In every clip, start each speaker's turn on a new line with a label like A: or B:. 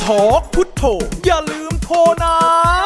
A: ทอกพุทโธอย่าลืมโทรนะ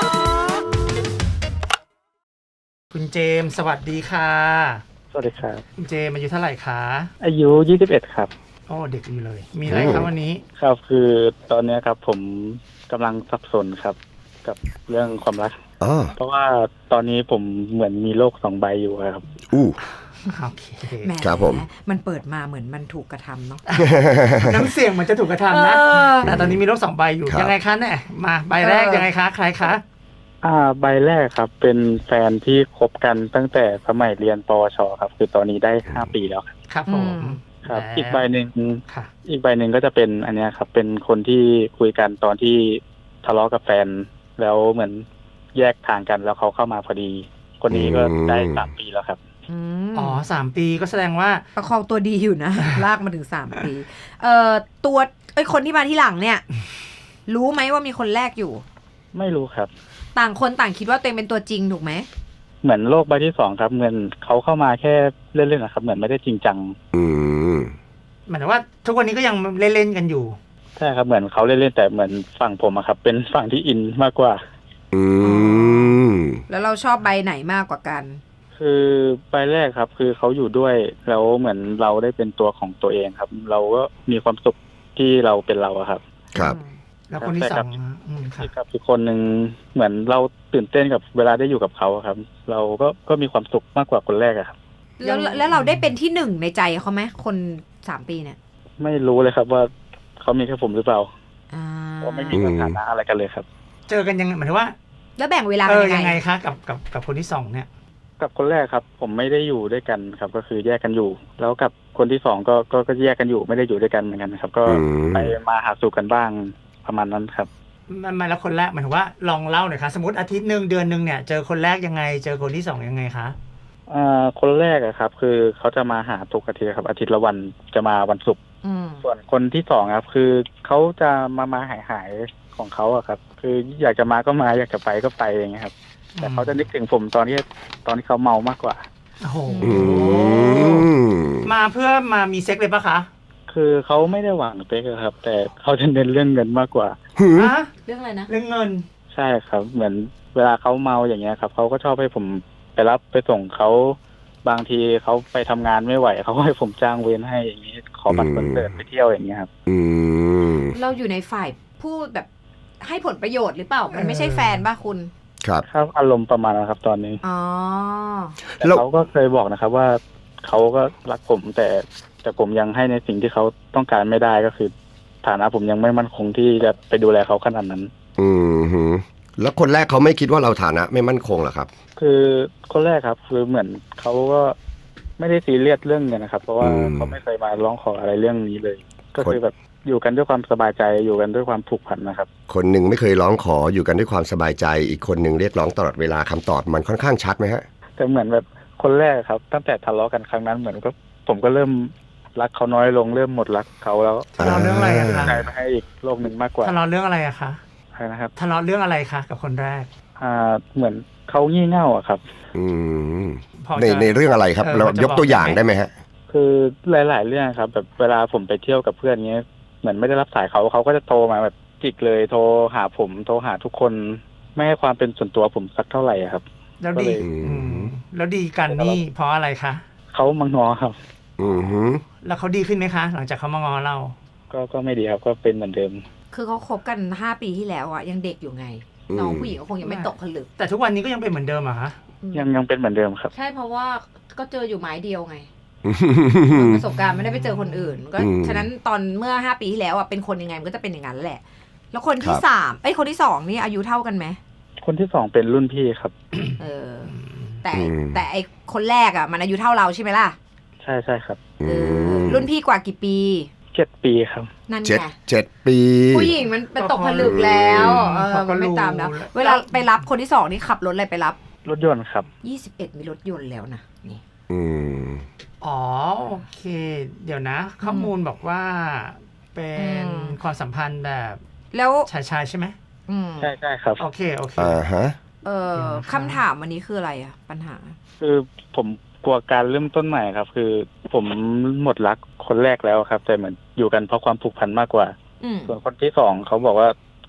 A: คุณเจมส์สวัสดีค่ะ
B: สวัสดีครับ
A: คุณเจมส์อายุเท่าไหร่คะ
B: อายุ21ครับ
A: โอ้เด็กอยู่เลยมีอะไรครับวันนี้
B: ครับคือตอนนี้ครับผมกำลังสับสนครับกับเรื่องความรักเพราะว่าตอนนี้ผมเหมือนมีโลก2 ใบอยู่ครับ
A: โอเค
C: ครับผมมันเปิดมาเหมือนมันถูกกระทำเนาะ
A: น้ำเสียงมันจะถูกกระทำนะแต่ตอนนี้มีโลก2 ใบอยู่ยังไงคะเนี่ยมาใบแรกยังไงคะใครคะ
B: ใบแรกครับเป็นแฟนที่คบกันตั้งแต่สมัยเรียนปวชครับคือตอนนี้ได้5 ปีแล้ว
A: ครับผม
B: ครับอีกใบหนึ่งก็จะเป็นอันนี้ครับเป็นคนที่คุยกันตอนที่ทะเลาะกับแฟนแล้วเหมือนแยกทางกันแล้วเขาเข้ามาพอดีคนนี้ก็ได้3 ปีแล้วครับ
A: อ๋อ3 ปีก็แสดงว่า
C: ประคองตัวดีอยู่นะลากมาถึง3 ปีตัวคนที่มาที่หลังเนี่ยรู้ไหมว่ามีคนแรกอยู่
B: ไม่รู้ครับ
C: ต่างคนต่างคิดว่าตัวเองเป็นตัวจริงถูกไหม
B: เหมือนโลกใบที่2ครับเหมือนเขาเข้ามาแค่เล่นๆนะครับเหมือนไม่ได้จริงจัง
A: หมายถึงว่าทุกวันนี้ก็ยังเล่นๆกันอยู่
B: ใช่ครับเหมือนเขาเล่นๆแต่เหมือนฝั่งผมอะครับเป็นฝั่งที่อินมากกว่า
C: แล้วเราชอบใบไหนมากกว่ากัน
B: คือใบแรกครับคือเขาอยู่ด้วยแล้วเหมือนเราได้เป็นตัวของตัวเองครับเราก็มีความสุขที่เราเป็นเราครับ
C: ครับ
A: แล้วคนที่2
B: ครับอีกคนนึงเหมือนเราตื่นเต้นกับเวลาได้อยู่กับเขาครับเราก็มีความสุขมากกว่าคนแรกครับ
C: แล้วเราได้เป็นที่1ในใจเขาไหมคน3 ปีเนี่ย
B: ไม่รู้เลยครับว่าเขามีแค่ผมหรือเปล่าเพราะไม่มีสถานะอะไรกันเลยครับ
A: เจอกันยังไงหมายถึงว่า
C: แล้วแบ่งเวลา
A: ยังไงคะกับคนที่2เนี่ย
B: กับคนแรกครับผมไม่ได้อยู่ด้วยกันครับก็คือแยกกันอยู่แล้วกับคนที่2ก็แยกกันอยู่ไม่ได้อยู่ด้วยกันเหมือนกันครับก็ไปมาหาสู่กันบ้างประมาณนั้นครับ
A: มาแล้วคนแรกหมายถึงว่าลองเล่าหน่อยคะสมมติอาทิตย์นึงเดือนนึงเนี่ยเจอคนแรกยังไงเจอคนที่2ยังไงคะ
B: คนแรกครับคือเขาจะมาหาทุกอาทิตย์ครับอาทิตย์ละวันจะมาวันศุกร์ส่วนคนที่2ครับคือเขาจะมาหายของเขาครับคืออยากจะมาก็มาอยากจะไปก็ไปอย่างเงี้ยครับแต่เขาจะนึกถึงผมตอนที่เขาเมามากกว่า
A: โอ้โหมาเพื่อมามีเซ็กเลยปะคะ
B: คือเขาไม่ได้หวังเซ็กครับแต่เขาจะเน้นเรื่องเงินมากกว่า
C: เรื่องอะไรนะ
A: เรื่องเงิน
B: ใช่ครับเหมือนเวลาเขาเมาอย่างเงี้ยครับเขาก็ชอบให้ผมไปรับไปส่งเขาบางทีเขาไปทำงานไม่ไหวเขาให้ผมจ้างเวรให้อย่างนี้ขอบัตรคอนเสิร์ตไปเที่ยวอย่างเงี้ยครับ
C: เราอยู่ในฝ่ายพูดแบบให้ผลประโยชน์หรือเปล่ามันไม่ใช่แฟนป่ะคุณ
B: ครับอารมณ์ประมาณนะครับตอนนี้แต่เขาก็เคยบอกนะครับว่าเขาก็รักผมแต่ผมยังให้ในสิ่งที่เขาต้องการไม่ได้ก็คือฐานะผมยังไม่มั่นคงที่จะไปดูแลเขาขนาดนั้น
D: แล้วคนแรกเขาไม่คิดว่าเราฐานะไม่มั่นคงหรอครับ
B: คือคนแรกครับคือเหมือนเขาก็ไม่ได้ซีเรียสเรื่องเงินนะครับเพราะว่าเขาไม่เคยมาร้องขออะไรเรื่องนี้เลยก็คือแบบอยู่กันด้วยความสบายใจอยู่กันด้วยความผูกพันนะครับ
D: คนหนึ่งไม่เคยร้องขออยู่กันด้วยความสบายใจอีกคนหนึ่งเรียกร้องตลอดเวลาคำตอบมันค่อนข้างชัดไหมฮะ
B: แต่เหมือนแบบคนแรกครับตั้งแต่ทะเลาะกันครั้งนั้นเหมือนก็ผมก็เริ่มรักเขาน้อยลงเริ่มหมดรักเขาแล้ว
A: ทะเลาะเรื่องอะไรคะ
B: ใจไปให้อีกโลกหนึ่งมากกว่า
A: ทะเลาะเรื่องอะไรอะคะ
B: ใช่นะครับ
A: ทะเลาะเรื่องอะไรคะกับคนแรก
B: เหมือนเขางี่เง่าอะครับ
D: ในเรื่องอะไรครับเรายกตัวอย่างได้ไหมฮะ
B: คือหลายๆเรื่องครับแบบเวลาผมไปเที่ยวกับเพื่อนเงี้ยเหมือนไม่ได้รับสายเขาก็จะโทรมาแบบจิกเลยโทรหาผมโทรหาทุกคนไม่ให้ความเป็นส่วนตัวผมสักเท่าไหร่ครับ
A: แล้วดีกันนี่เพราะอะไรคะ
B: เขามางอครับ
A: แล้วเขาดีขึ้นไหมคะหลังจากเขามางอเรา
B: ก็ไม่ดีครับก็เป็นเหมือนเดิม
C: คือเขาคบกัน5 ปีที่แล้วอ่ะยังเด็กอยู่ไงน้องผู้หญิงก็คงยังไม่ตกผลึก
A: แต่ทุกวันนี้ก็ยังเป็นเหมือนเดิมอะคะ
B: ยังเป็นเหมือนเดิมครับ
C: ใช่เพราะว่าก็เจออยู่ไม้เดียวไงประสบการณ์ไม่ได้ไปเจอคนอื่นก็ฉะนั้นตอนเมื่อ5 ปีที่แล้วอ่ะเป็นคนยังไงมันก็จะเป็นอย่างนั้นแหละแล้วคนที่3คนที่2นี่อายุเท่ากันไหม
B: คนที่2เป็นรุ่นพี่ครับ
C: แต่ไอคนแรกอ่ะมันอายุเท่าเราใช่ไหมล่ะ
B: ใช่ครับ
C: รุ่นพี่กว่ากี่ปี
B: 7 ปีครับ
C: นั่นไง
D: 7 ปี
C: ผู้หญิงมันเป็นตกผลึกแล้วมันไม่ตามแล้วเวลาไปรับคนที่2นี่ขับรถอะไรไปรับ
B: รถยนต์ครับ
C: 21มีรถยนต์แล้วนะนี่
A: อ๋อโอเคเดี๋ยวนะข้อมูลบอกว่าเป็นความสัมพันธ์แบบ
C: แล้ว
A: ชายใช่ไหม
B: ใช่ครับ
A: โอเค
C: คำถามวันนี้คืออะไรอะปัญหา
B: คือผมกลัวการเริ่มต้นใหม่ครับคือผมหมดรักคนแรกแล้วครับแต่เหมือนอยู่กันเพราะความผูกพันมากกว่าส่วนคนที่2เขาบอกว่า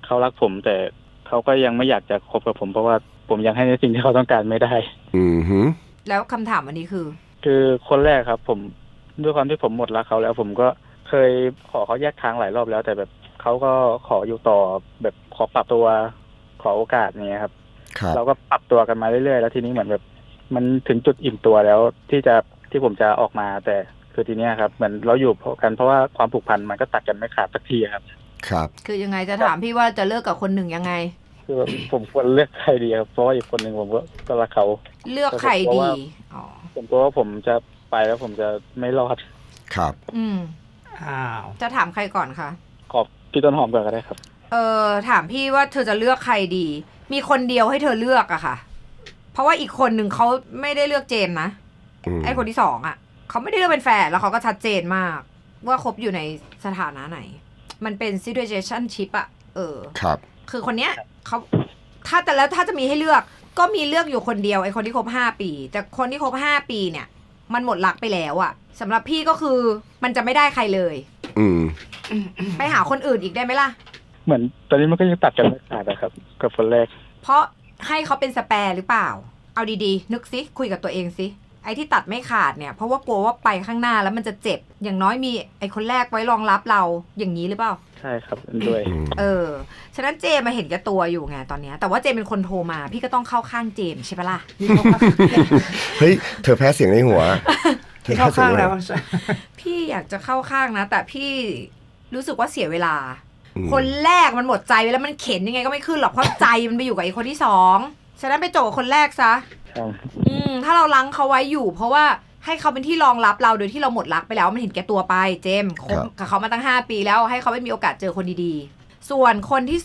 B: เขารักผมแต่เขาก็ยังไม่อยากจะคบกับผมเพราะว่าผมยังให้ในสิ่งที่เขาต้องการไม่ได้
C: แล้วคำถามอันนี้
B: คือคนแรกครับผมด้วยความที่ผมหมดรักเขาแล้วผมก็เคยขอเขาแยกทางหลายรอบแล้วแต่แบบเขาก็ขออยู่ต่อแบบขอปรับตัวขอโอกาสเนี้ยครับเราก็ปรับตัวกันมาเรื่อยๆแล้วทีนี้เหมือนแบบมันถึงจุดอิ่มตัวแล้วที่ผมจะออกมาแต่คือทีเนี้ยครับเหมือนเราอยู่กันเพราะว่าความผูกพันมันก็ตัดกันไม่ขาดสักทีครับ
C: คือยังไงจะถามพี่ว่าจะเลิกกับคนหนึ่งยังไง
B: คือผมควรเลือกใครดีครับเพราะว่าอีกคนหนึ่งผมก็รักเขา
C: เลือกใครดี
B: ผมกลัวว่าผมจะไปแล้วผมจะไม่รอด
D: ครับ
C: จะถามใครก่อนคะ
B: ขอบพี่ต้นหอมก่อนก็ได้ครับ
C: ถามพี่ว่าเธอจะเลือกใครดีมีคนเดียวให้เธอเลือกอะค่ะเพราะว่าอีกคนหนึ่งเขาไม่ได้เลือกเจมนะไอ้คนที่สองอะเขาไม่ได้เลือกเป็นแฟนแล้วเขาก็ชัดเจนมากว่าคบอยู่ในสถานะไหนมันเป็น situationship อะ
D: ครับ
C: คือคนเนี้ยเขาถ้าจะมีให้เลือกก็มีเลือกอยู่คนเดียวไอ้คนที่คบ5 ปีแต่คนที่คบ5 ปีเนี่ยมันหมดรักไปแล้วอะสำหรับพี่ก็คือมันจะไม่ได้ใครเลยไปหาคนอื่นอีกได้ไหมล่ะ
B: เหมือนตอนนี้มันก็ยังตัดกันไม่ขาดนะครับกับคนแรก
C: เพราะให้เขาเป็นสแปร์หรือเปล่าเอาดีๆนึกซิคุยกับตัวเองซิไอ้ที่ตัดไม่ขาดเนี่ยเพราะว่ากลัวว่าไปข้างหน้าแล้วมันจะเจ็บอย่างน้อยมีไอ้คนแรกไว้รองรับเราอย่างนี้หรือเปล่า
B: ใช่ครับด้วย
C: ฉะนั้นเจมาเห็นแก่ตัวอยู่ไงตอนนี้แต่ว่าเจเป็นคนโทรมาพี่ก็ต้องเข้าข้างเจมใช่ปะล่ะ
D: เฮ้ยเธอแพ้เสียงในหัว
A: พี่เข้าข้างแล้ว
C: พี่อยากจะเข้าข้างนะแต่พี่รู้สึกว่าเสียเวลาคนแรกมันหมดใจไปแล้วมันเข็นยังไงก็ไม่ขึ้นหรอกเพราะใจมันไปอยู่กับไอ้คนที่สองฉะนั้นไปจบกับคนแรกซะถ้าเราลังเขาไว้อยู่เพราะว่าให้เขาเป็นที่รองรับเราโดยที่เราหมดรักไปแล้วมันเห็นแก่ตัวไปเจมคบกับเขามาตั้ง5 ปีแล้วให้เขาไม่มีโอกาสเจอคนดีๆส่วนคนที่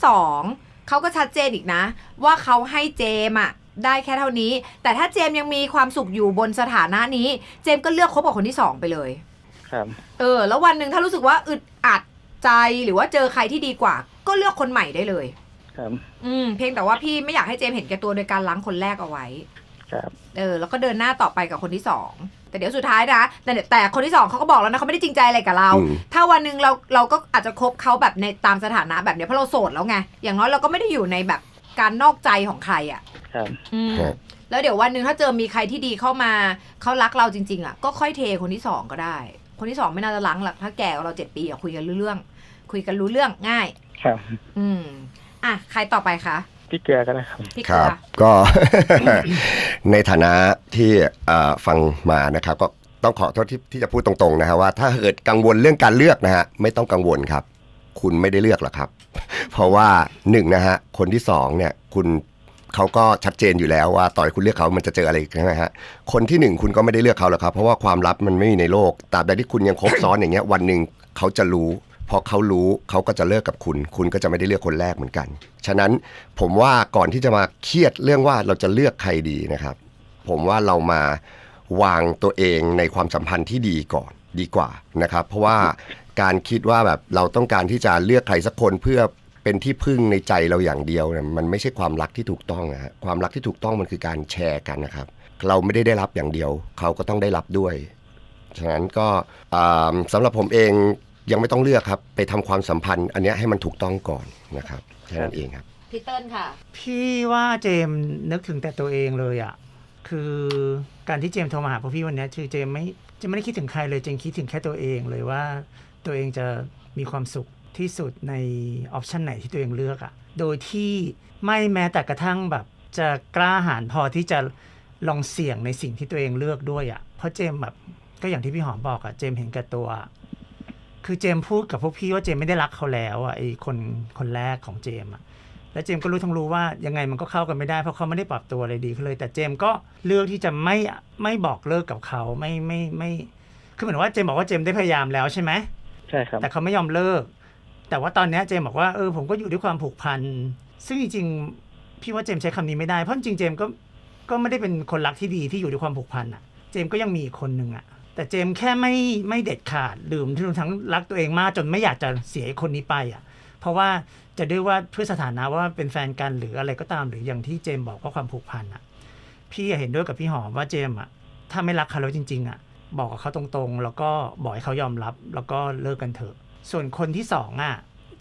C: 2เขาก็ชัดเจนอีกนะว่าเขาให้เจมอะได้แค่เท่านี้แต่ถ้าเจมยังมีความสุขอยู่บนสถานะนี้เจมก็เลือกคบกับคนที่2ไปเลย
B: ครับ
C: แล้ววันหนึ่งถ้ารู้สึกว่าอึดอัดใจหรือว่าเจอใครที่ดีกว่าก็เลือกคนใหม่ได้เลย
B: ครับ
C: เพียงแต่ว่าพี่ไม่อยากให้เจมเห็นแก่ตัวโดยการล้างคนแรกเอาไว้
B: ครับ
C: แล้วก็เดินหน้าต่อไปกับคนที่2แต่เดี๋ยวสุดท้ายนะแต่คนที่2เขาก็บอกแล้วนะเขาไม่ได้จริงใจอะไรกับเราถ้าวันนึงเราก็อาจจะคบเขาแบบในตามสถานะแบบเนี้ยเพราะเราโสดแล้วไงอย่างน้อยเราก็ไม่ได้อยู่ในแบบการนอกใจของใครอ่ะ
B: ครับ
C: แล้วเดี๋ยววันนึงถ้าเจอมีใครที่ดีเข้ามาเขารักเราจริงๆอ่ะก็ค่อยเทคนที่2ก็ได้คนที่2ไม่น่าจะล้างหรอกถ้าแก่กว่าเรา7 ปีอ่ะคุยกันรู้เรื่องง่าย
B: ครับ
C: ใครต่อไปคะ
B: พี่เกลือก็ได้ครับ
C: พี่เกลือ
D: ก็ ในฐานะที่ฟังมานะครับก็ต้องขอโทษที่จะพูดตรงๆนะฮะว่าถ้าเกิดกังวลเรื่องการเลือกนะฮะไม่ต้องกังวลครับคุณไม่ได้เลือกหรอกครับเพราะว่า1นะฮะคนที่2เนี่ยเขาก็ชัดเจนอยู่แล้วว่าต่อให้คุณเลือกเขามันจะเจออะไรใช่ไหมฮะคนที่1คุณก็ไม่ได้เลือกเขาหรอกครับเพราะว่าความลับมันไม่มีในโลกตราบใดที่คุณยังคบซ้อนอย่างเงี้ยวันนึงเขาจะรู้พอเขารู้เขาก็จะเลิกกับคุณก็จะไม่ได้เลือกคนแรกเหมือนกันฉะนั้นผมว่าก่อนที่จะมาเครียดเรื่องว่าเราจะเลือกใครดีนะครับผมว่าเรามาวางตัวเองในความสัมพันธ์ที่ดีก่อนดีกว่านะครับเพราะว่าการคิดว่าแบบเราต้องการที่จะเลือกใครสักคนเพื่อเป็นที่พึ่งในใจเราอย่างเดียวเนี่ยมันไม่ใช่ความรักที่ถูกต้องนะฮะความรักที่ถูกต้องมันคือการแชร์กันนะครับเราไม่ได้รับอย่างเดียวเขาก็ต้องได้รับด้วยฉะนั้นก็สำหรับผมเองยังไม่ต้องเลือกครับไปทำความสัมพันธ์อันนี้ให้มันถูกต้องก่อนนะครับแค่นั้นเองครับ
C: พี่เติ้ลค่ะ
A: พี่ว่าเจมนึกถึงแต่ตัวเองเลยอ่ะคือการที่เจมโทรมาหาพวกพี่วันนี้คือเจมไม่ได้คิดถึงใครเลยเจมคิดถึงแค่ตัวเองเลยว่าตัวเองจะมีความสุขที่สุดในออปชันไหนที่ตัวเองเลือกอ่ะโดยที่ไม่แม้แต่กระทั่งแบบจะกล้าหาญพอที่จะลองเสี่ยงในสิ่งที่ตัวเองเลือกด้วยอ่ะเพราะเจมแบบก็อย่างที่พี่หอมบอกอ่ะเจมเห็นแก่ตัวคือเจมพูดกับพวกพี่ว่าเจมไม่ได้รักเขาแล้วอ่ะไอ้คนแรกของเจมอ่ะแล้วเจมก็รู้ทั้งรู้ว่ายังไงมันก็เข้ากันไม่ได้เพราะเขาไม่ได้ปรับตัวอะไรดีขึ้นเลยแต่เจมก็เลือกที่จะไม่บอกเลิกกับเขาไม่คือเหมือนว่าเจมบอกว่าเจมได้พยายามแล้วใช่ไหม
B: ใช่ครับ
A: แต่เขาไม่ยอมเลิกแต่ว่าตอนนี้เจมบอกว่าผมก็อยู่ด้วยความผูกพันซึ่งจริงๆพี่ว่าเจมใช้คำนี้ไม่ได้เพราะจริงๆเจมก็ไม่ได้เป็นคนรักที่ดีที่อยู่ด้วยความผูกพันอ่ะเจมก็ยังมีอีกคนนึงอ่ะแต่เจมแค่ไม่เด็ดขาดลืมทั้งรักตัวเองมากจนไม่อยากจะเสียคนนี้ไปอ่ะเพราะว่าจะด้วยว่าเพื่อสถานะว่าเป็นแฟนกันหรืออะไรก็ตามหรืออย่างที่เจมบอกว่าความผูกพันอ่ะพี่เห็นด้วยกับพี่หอมว่าเจมอ่ะถ้าไม่รักเขาแล้วจริงๆอ่ะบอกกับเขาตรงๆแล้วก็บอกให้เขายอมรับแล้วก็เลิกกันเถอะส่วนคนที่2อ่ะเจ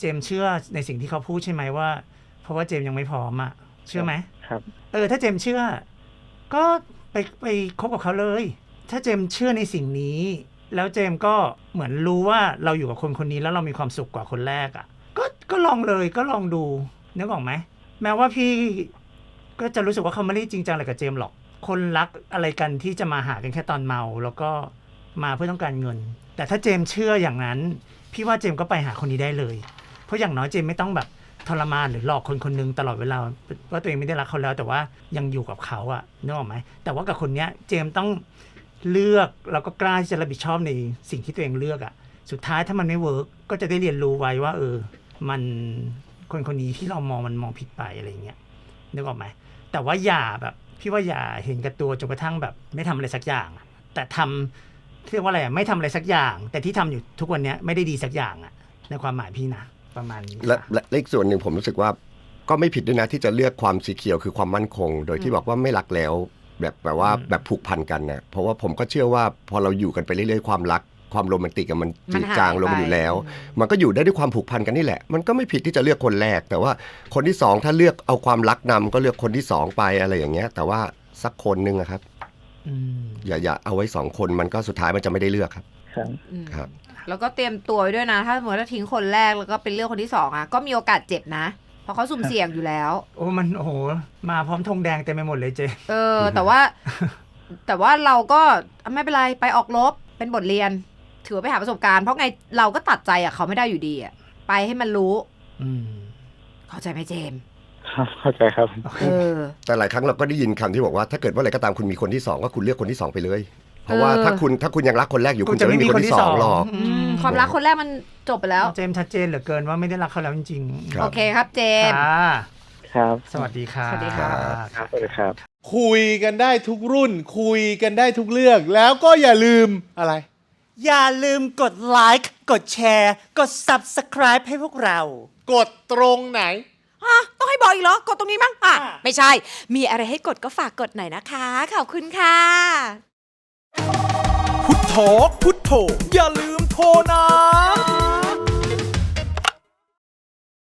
A: มส์เชื่อในสิ่งที่เขาพูดใช่ไหมว่าเพราะว่าเจมส์ยังไม่พร้อมอะเชื่อไหม
B: ครับ
A: ถ้าเจมส์เชื่อก็ไปคบกับเขาเลย ถ้าเจมส์เชื่อในสิ่งนี้แล้วเจมส์ก็เหมือนรู้ว่าเราอยู่กับคนคนนี้แล้วเรามีความสุขกว่าคนแรกอะก็ลองเลยก็ลองดูนึกออกไหมแม้ว่าพี่ก็จะรู้สึกว่าเขาไม่ได้จริงจังอะไรกับเจมส์หรอกคนรักอะไรกันที่จะมาหากันแค่ตอนเมาแล้วก็มาเพื่อต้องการเงินแต่ถ้าเจมส์เชื่ออย่างนั้นพี่ว่าเจมส์ก็ไปหาคนนี้ได้เลยเพราะอย่างน้อยเจมส์ไม่ต้องแบบทรมานหรือหลอกคนคนนึงตลอดเวลาว่าตัวเองไม่ได้รักเขาแล้วแต่ว่ายังอยู่กับเขาอะนึกออกไหมแต่ว่ากับคนเนี้ยเจมส์ต้องเลือกแล้วก็กล้าที่จะรับผิดชอบในสิ่งที่ตัวเองเลือกอะสุดท้ายถ้ามันไม่เวิร์กก็จะได้เรียนรู้ไว้ว่ามันคนคนนี้ที่เรามองผิดไปอะไรเงี้ยนึกออกไหมแต่ว่าอย่าแบบพี่ว่าอย่าเห็นกับตัวจนกระทั่งแบบไม่ทำอะไรสักอย่างแต่ทำเรียกว่าอะไรไม่ทำอะไรสักอย่าง แต่ที่ทำอยู่ทุกวันนี้ไม่ได้ดีสักอย่างอะในความหมายพี่นะประมาณนี้
D: และอีกส่วนหนึ่งผมรู้สึกว่าก็ไม่ผิดด้วยนะที่จะเลือกความสีเขียวคือความมั่นคงโดยที่บอกว่าไม่รักแล้วแบบว่าแบบผูกพันกันนะเพราะว่าผมก็เชื่อว่าพอเราอยู่กันไปเรื่อยๆความรักความโรแมนติกมันจืดจางลงอยู่แล้วมันก็อยู่ได้ด้วยความผูกพันกันนี่แหละมันก็ไม่ผิดที่จะเลือกคนแรกแต่ว่าคนที่สองถ้าเลือกเอาความรักนำก็เลือกคนที่สองไปอะไรอย่างเงี้ยแต่ว่าสักคนนึงครับอย่าเอาไว้สองคนมันก็สุดท้ายมันจะไม่ได้เลือกครับ
B: ครับ
C: แล้วก็เตรียมตัวไว้ด้วยนะถ้าสมมติว่าทิ้งคนแรกแล้วก็เป็นเรื่องคนที่สองก็มีโอกาสเจ็บนะเพราะเขาสุ่มเสี่ยงอยู่แล้ว
A: มันมาพร้อมธงแดงเต็มไปหมดเลยเจ
C: แต่ว่าเราก็ไม่เป็นไรไปออกรบเป็นบทเรียนถือว่าไปหาประสบการณ์เพราะไงเราก็ตัดใจเขาไม่ได้อยู่ดีไปให้มันรู้เข้าใจไหมเจมส์
B: ครับเข้าใจครับ
D: แต่หลายครั้งเราก็ได้ยินคำที่บอกว่าถ้าเกิดว่าอะไรก็ตามคุณมีคนที่สองก็คุณเลือกคนที่สองไปเลยเพราะว่าถ้าคุณยังรักคนแรกอยู่คุณจะไม่มีคนที่สองหรอก
C: ความรักคนแรกมันจบไปแล้ว
A: เจมส์ชัดเจนเหลือเกินว่าไม่ได้รักเขาแล้วจริง
C: ๆโอเคครับเจมส์
B: ครับ
A: สวัสดีครับ
C: สวัสดีครับ
B: สวัสดีครับ
E: คุยกันได้ทุกรุ่นคุยกันได้ทุกเรื่องแล้วก็อย่าลืมอะไร
F: อย่าลืมกดไลค์กดแชร์กด Subscribe ให้พวกเรา
E: กดตรงไหน
C: ต้องให้บอกอีกเหรอกดตรงนี้มั้งไม่ใช่มีอะไรให้กดก็ฝากกดหน่อยนะคะขอบคุณค่ะ
F: พุทโธพุทโธอย่าลืมโทรนะ